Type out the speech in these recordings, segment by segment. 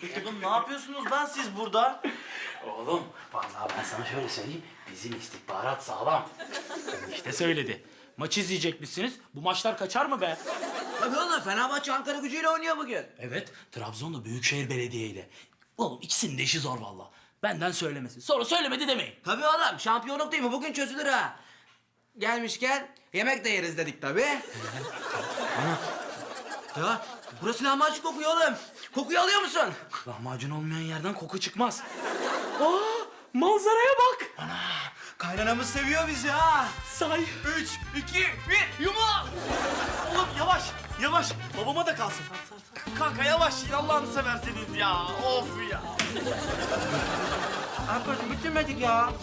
Oğlum ne yapıyorsunuz lan siz burada? Oğlum vallahi ben sana şöyle söyleyeyim. Bizim istihbarat sağlam. İşte söyledi. Maç izleyecekmişsiniz. Bu maçlar kaçar mı be? Tabii oğlum, Fenerbahçe Ankara Gücü'yle oynuyor bugün. Evet, Trabzon'da Büyükşehir Belediye ile. Oğlum ikisinin de işi zor vallahi. Benden söylemesi. Sonra söylemedi demeyin. Tabii oğlum, şampiyonluk değil mi? Bugün çözülür ha. Gelmişken yemek de yeriz dedik tabii. Ya burası lahmacun kokuyor oğlum. Kokuyu alıyor musun? Lahmacun olmayan yerden koku çıkmaz. Aa, manzaraya bak. Kaynanamız seviyor bizi ha. Say. 3, 2, 1, yumruk! Oğlum yavaş, yavaş. Babama da kalsın. Kanka yavaş, Allah'ını severseniz ya. Of ya. Arkadaşım bitirmedik ya.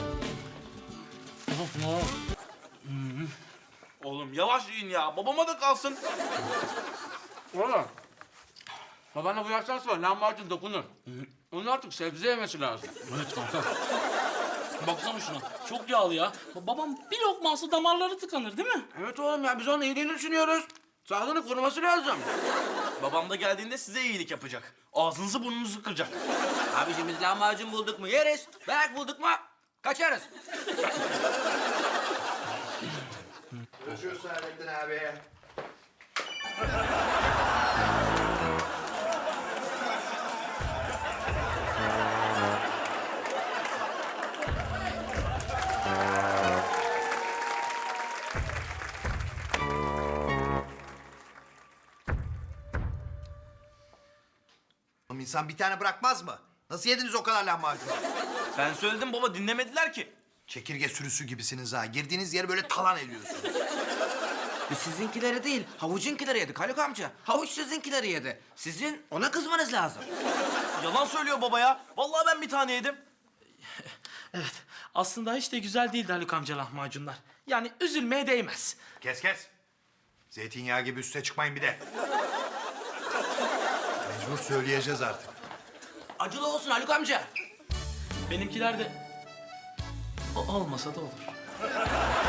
Oğlum yavaş yiyin ya, babama da kalsın. Oğlum. Babana bu yaştan sonra lahmacun dokunur. Onun artık sebze yemesi lazım. Evet kanka. Baksana şuna. Çok yağlı ya. Babam bir lokma alsa damarları tıkanır değil mi? Evet oğlum ya, biz onun iyiliğini düşünüyoruz. Sağlığını koruması lazım. Babam da geldiğinde size iyilik yapacak. Ağzınızı burnunuzu kıracak. Abiciğim biz lahmacun bulduk mu yeriz. Dayak bulduk mu kaçarız. Görüşürüz Saadettin abi. Oğlum insan bir tane bırakmaz mı? Nasıl yediniz o kadar lahmacun? Ben söyledim baba, dinlemediler ki. Çekirge sürüsü gibisiniz ha. Girdiğiniz yeri böyle talan ediyorsunuz. Biz sizinkileri değil, havucunkileri yedik Haluk amca. Havuç sizinkileri yedi. Sizin ona kızmanız lazım. Yalan söylüyor baba ya. Vallahi ben bir tane yedim. Evet. Aslında hiç de güzel değildi Haluk amca lahmacunlar. Yani üzülmeye değmez. Kes kes. Zeytinyağı gibi üste çıkmayın bir de. Mecbur söyleyeceğiz artık. Acılı olsun Haluk amca. Benimkiler de olmasa da olur.